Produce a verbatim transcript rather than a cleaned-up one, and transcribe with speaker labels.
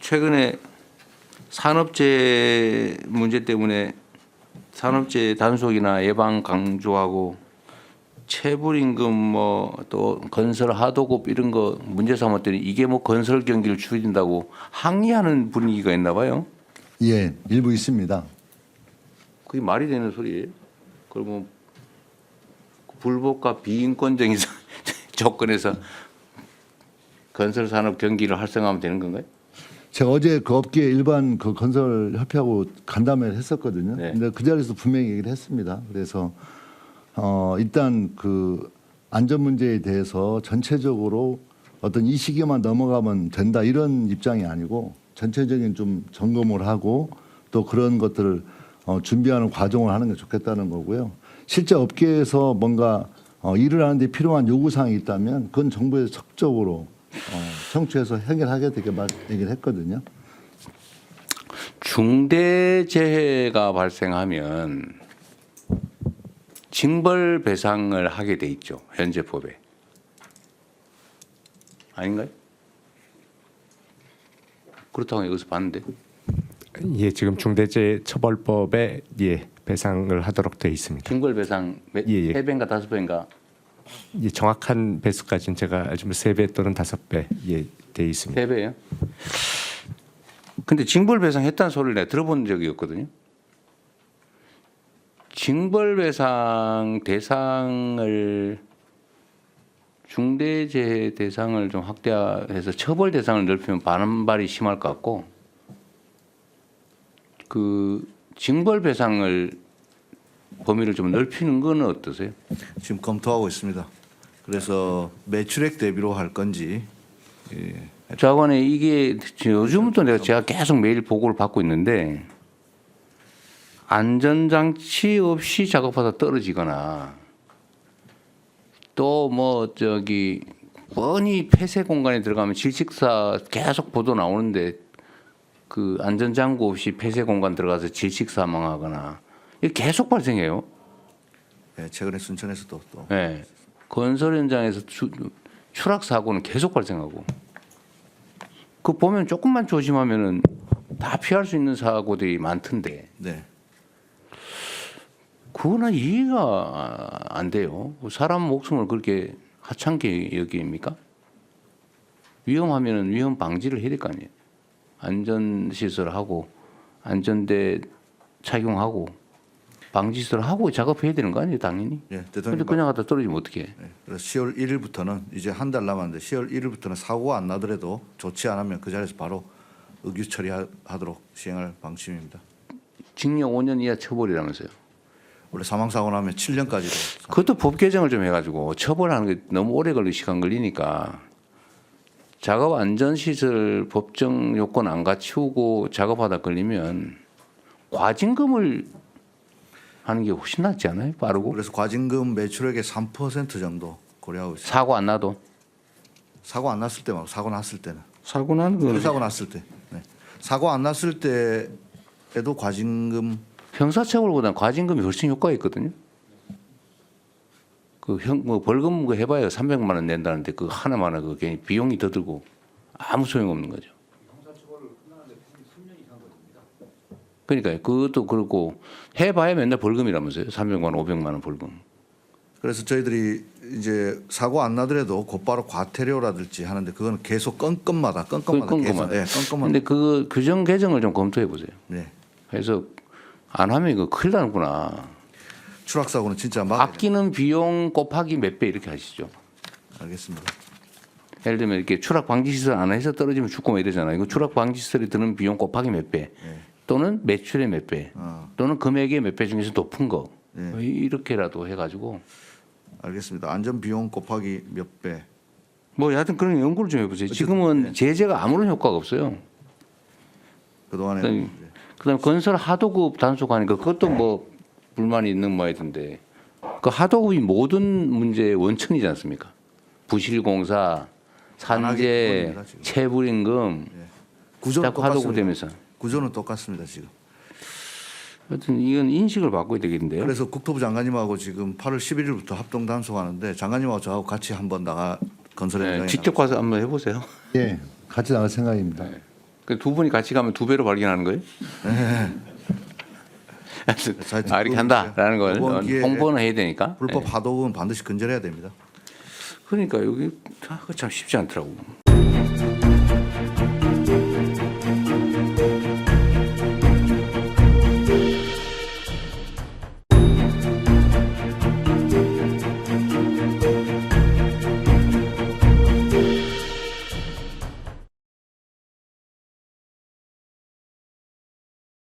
Speaker 1: 최근에 산업재해 문제 때문에 산업재해 단속이나 예방 강조하고 체불임금 뭐 또 건설 하도급 이런 거 문제 삼았더니 이게 뭐 건설 경기를 줄인다고 항의하는 분위기가 있나 봐요.
Speaker 2: 예, 일부 있습니다.
Speaker 1: 그게 말이 되는 소리예요. 그러면 불법과 비인권적인 조건에서 건설 산업 경기를 활성화하면 되는 건가요?
Speaker 2: 제가 어제 그 업계 일반 그 건설 협회하고 간담회를 했었거든요.
Speaker 1: 네.
Speaker 2: 근데 그 자리에서 분명히 얘기를 했습니다. 그래서 어 일단 그 안전 문제에 대해서 전체적으로 어떤 이 시기만 넘어가면 된다 이런 입장이 아니고 전체적인 좀 점검을 하고 또 그런 것들을 어 준비하는 과정을 하는 게 좋겠다는 거고요. 실제 업계에서 뭔가 어 일을 하는데 필요한 요구 사항이 있다면 그건 정부에서 적극적으로 어 청취해서 해결하게 되게 말 얘기를 했거든요.
Speaker 1: 중대재해가 발생하면 징벌 배상을 하게 돼 있죠. 현재 법에. 아닌가요? 그렇다고 여기서 봤는데.
Speaker 3: 예, 지금 중대재해처벌법에 예 배상을 하도록 되어 있습니다.
Speaker 1: 징벌 배상 몇-
Speaker 3: 예, 예.
Speaker 1: 세 배인가 다섯 배인가.
Speaker 3: 예, 정확한 배수까지는 제가 알지만 세 배 또는 다섯 배 예, 되어 있습니다.
Speaker 1: 세 배예요? 근데 징벌 배상했다는 소리를 내가 들어본 적이 없거든요. 징벌 배상 대상을 중대재해 대상을 좀 확대해서 처벌 대상을 넓히면 반발이 심할 것 같고 그 징벌 배상을 범위를 좀 넓히는 건 어떠세요?
Speaker 4: 지금 검토하고 있습니다. 그래서 매출액 대비로 할 건지 예,
Speaker 1: 자관에 이게 요즘부터 내가 제가 계속 매일 보고를 받고 있는데 안전장치 없이 작업하다 떨어지거나 또 뭐 저기 뻔히 폐쇄 공간에 들어가면 질식사 계속 보도 나오는데 그 안전장구 없이 폐쇄 공간 들어가서 질식 사망하거나 이게 계속 발생해요.
Speaker 4: 예, 최근에 순천에서도 또
Speaker 1: 네. 건설 현장에서 추, 추락 사고는 계속 발생하고 그 보면 조금만 조심하면은 다 피할 수 있는 사고들이 많던데
Speaker 4: 네.
Speaker 1: 그거는 이해가 안 돼요. 사람 목숨을 그렇게 하찮게 여깁니까? 위험하면은 위험 방지를 해야 될 거 아니에요. 안전 시설하고 안전대 착용하고 방지 시설하고 작업해야 되는 거 아니에요, 당연히.
Speaker 4: 예,
Speaker 1: 근데
Speaker 4: 대통령
Speaker 1: 그냥 갖다 떨어지면 어떻게 해?
Speaker 4: 예, 그래서 시월 일일부터는 이제 한 달 남았는데 시월 일일부터는 사고가 안 나더라도 조치 안 하면 그 자리에서 바로 의규 처리하도록 시행할 방침입니다.
Speaker 1: 징역 오 년 이하 처벌이라면서요.
Speaker 4: 원래 사망 사고 나면 칠 년까지도
Speaker 1: 그것도 법 개정을 좀 해가지고 처벌하는 게 너무 오래 걸리 시간 걸리니까 작업 안전 시설 법정 요건 안 갖추고 작업하다 걸리면 과징금을 하는 게 훨씬 낫지 않아요? 빠르고
Speaker 4: 그래서 과징금 매출액의 삼 퍼센트 정도 고려하고 있습니다.
Speaker 1: 사고 안 나도
Speaker 4: 사고 안 났을 때 말고 사고 났을 때는
Speaker 1: 사고 나는 건
Speaker 4: 사고 났을 때 네. 사고 안 났을 때에도 과징금
Speaker 1: 형사처벌보다는 과징금이 훨씬 효과가 있거든요. 그 형 뭐 벌금 그 해봐야 삼백만 원 낸다는데 그 하나만은 그 괜히 비용이 더 들고 아무 소용 없는 거죠. 그러니까요. 그것도 그렇고 해봐야 맨날 벌금이라면서요. 삼백만 원, 오백만 원 벌금.
Speaker 4: 그래서 저희들이 이제 사고 안 나더라도 곧바로 과태료라든지 하는데 그거는 계속 건건마다 건건마다
Speaker 1: 그
Speaker 4: 계속
Speaker 1: 건건마다.
Speaker 4: 예, 건건마다
Speaker 1: 근데 그 규정 개정을 좀 검토해 보세요.
Speaker 4: 네.
Speaker 1: 그래서 안 하면 이거 큰일 나는구나.
Speaker 4: 추락 사고는 진짜 막
Speaker 1: 아끼는 비용 곱하기 몇 배 이렇게 하시죠.
Speaker 4: 알겠습니다.
Speaker 1: 예를 들면 이렇게 추락 방지 시설 안 해서 떨어지면 죽고 뭐 이러잖아요. 이거 추락 방지 시설이 드는 비용 곱하기 몇 배,
Speaker 4: 네.
Speaker 1: 또는 매출의 몇 배,
Speaker 4: 어,
Speaker 1: 또는 금액의 몇 배 중에서 높은 거
Speaker 4: 네.
Speaker 1: 뭐 이렇게라도 해가지고
Speaker 4: 알겠습니다. 안전 비용 곱하기 몇 배.
Speaker 1: 뭐 여하튼 그런 연구를 좀 해보세요.
Speaker 4: 어쨌든,
Speaker 1: 지금은
Speaker 4: 네.
Speaker 1: 제재가 아무런 효과가 없어요.
Speaker 4: 그동안에
Speaker 1: 그다음에
Speaker 4: 이제
Speaker 1: 그다음 건설 하도급 단속하니까 그것도 뭐 불만이 있는 모양이던데 그 하도급이 모든 문제의 원천이지 않습니까? 부실공사,
Speaker 4: 안 하기
Speaker 1: 산재,
Speaker 4: 때문입니다, 지금.
Speaker 1: 체불임금
Speaker 4: 구조는
Speaker 1: 자꾸 하도급
Speaker 4: 똑같습니다.
Speaker 1: 되면서
Speaker 4: 구조는 똑같습니다 지금.
Speaker 1: 하여튼 이건 인식을 바꿔야 되겠는데요.
Speaker 4: 그래서 국토부 장관님하고 지금 팔월 십일일부터 합동 단속하는데 장관님하고 저하고 같이 한번 나가 건설
Speaker 1: 네,
Speaker 4: 현장에
Speaker 1: 직접 가서 한번 해보세요.
Speaker 2: 예, 같이 나갈 생각입니다.
Speaker 1: 그 두 분이 같이 가면 두 배로 발견하는 거예요?
Speaker 4: 네.
Speaker 1: 아, 이렇게 한다라는 걸
Speaker 4: 이번 기회에
Speaker 1: 홍보는 해야 되니까.
Speaker 4: 불법
Speaker 1: 예.
Speaker 4: 하도은 반드시 근절해야 됩니다.
Speaker 1: 그러니까 여기 아, 그거 참 쉽지 않더라고.